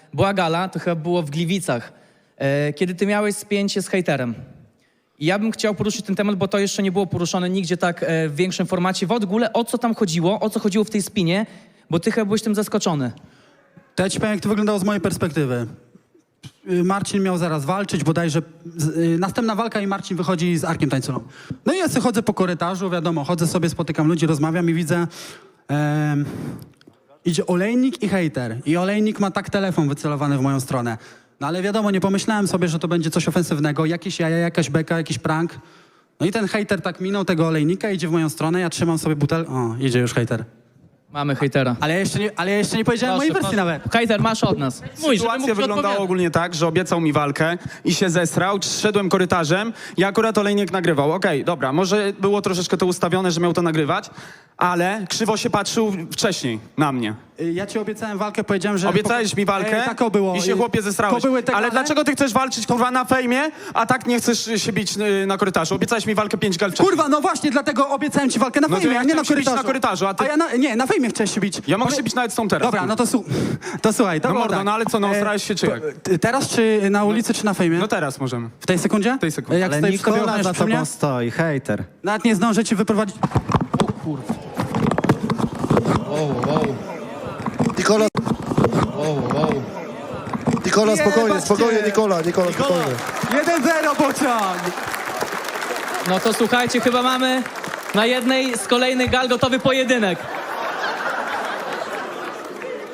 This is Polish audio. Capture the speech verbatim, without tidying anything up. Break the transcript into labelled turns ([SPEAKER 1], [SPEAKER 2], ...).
[SPEAKER 1] była gala, to chyba było w Gliwicach, e, kiedy ty miałeś spięcie z hejterem. I ja bym chciał poruszyć ten temat, bo to jeszcze nie było poruszone nigdzie tak e, w większym formacie. W ogóle o co tam chodziło, o co chodziło w tej spinie, bo ty chyba byłeś tym zaskoczony.
[SPEAKER 2] To ja ci powiem, jak to wyglądało z mojej perspektywy. Y, Marcin miał zaraz walczyć, bodajże z, y, następna walka i Marcin wychodzi z Arkiem Tańculą. No i ja sobie chodzę po korytarzu, wiadomo, chodzę sobie, spotykam ludzi, rozmawiam i widzę... em, idzie olejnik i hejter. I olejnik ma tak telefon wycelowany w moją stronę. No ale wiadomo, nie pomyślałem sobie, że to będzie coś ofensywnego, jakieś jaja, jakaś beka, jakiś prank. No i ten hejter tak minął tego olejnika, idzie w moją stronę, ja trzymam sobie butel... O, idzie już hejter.
[SPEAKER 1] Mamy hejtera.
[SPEAKER 2] Ale ja jeszcze nie, ale ja jeszcze nie powiedziałem mojej wersji nawet.
[SPEAKER 1] Hejter, masz od nas. Mój, żeby mógł
[SPEAKER 3] Sytuacja
[SPEAKER 1] ci
[SPEAKER 3] wyglądała
[SPEAKER 1] odpowiadać.
[SPEAKER 3] ogólnie tak, że obiecał mi walkę i się zesrał, szedłem korytarzem i akurat olejnik nagrywał. Okej, dobra, może było troszeczkę to ustawione, że miał to nagrywać, ale krzywo się patrzył wcześniej na mnie.
[SPEAKER 2] Y, Ja ci obiecałem walkę, powiedziałem, że...
[SPEAKER 3] Obiecałeś mi walkę
[SPEAKER 2] E, tak o było.
[SPEAKER 3] i się
[SPEAKER 2] Y,
[SPEAKER 3] chłopie zesrałeś.
[SPEAKER 2] to były te
[SPEAKER 3] Ale
[SPEAKER 2] gale?
[SPEAKER 3] dlaczego ty chcesz walczyć kurwa na fejmie, a tak nie chcesz się bić y, na korytarzu? Obiecałeś mi walkę pięć gal wcześniej.
[SPEAKER 2] Kurwa, no właśnie, dlatego obiecałem ci walkę na
[SPEAKER 3] No to
[SPEAKER 2] fejmie,
[SPEAKER 3] ja
[SPEAKER 2] a nie na
[SPEAKER 3] chciałem się bić
[SPEAKER 2] korytarzu.
[SPEAKER 3] na korytarzu, a ty-
[SPEAKER 2] ja na, nie, na fejmie chciałeś się bić.
[SPEAKER 3] Ja mogę
[SPEAKER 2] Powie-
[SPEAKER 3] się bić nawet z tą teraz.
[SPEAKER 2] Dobra, no to, su to słuchaj, to
[SPEAKER 3] No
[SPEAKER 2] było
[SPEAKER 3] mordo,
[SPEAKER 2] tak.
[SPEAKER 3] no ale co, no
[SPEAKER 2] E,
[SPEAKER 3] osrałeś się czy jak?
[SPEAKER 2] t- Teraz czy na ulicy, czy na fejmie?
[SPEAKER 3] No teraz możemy.
[SPEAKER 2] W tej sekundzie? W
[SPEAKER 3] tej sekundzie.
[SPEAKER 2] Jak
[SPEAKER 4] Ale
[SPEAKER 2] stoisz sobie
[SPEAKER 4] Nikola
[SPEAKER 2] ochroniasz
[SPEAKER 4] za
[SPEAKER 2] przy mnie?
[SPEAKER 4] tobą stoi, hejter.
[SPEAKER 2] Nawet nie zdążę ci wyprowadzić...
[SPEAKER 5] Nikola,
[SPEAKER 1] Wow, wow.
[SPEAKER 5] Nikola, spokojnie,
[SPEAKER 2] Jebać
[SPEAKER 5] spokojnie,
[SPEAKER 2] cię.
[SPEAKER 5] Nikola, Nikola, spokojnie.
[SPEAKER 2] jeden zero pociąg!
[SPEAKER 1] No to słuchajcie, chyba mamy na jednej z kolejnych gal gotowy pojedynek.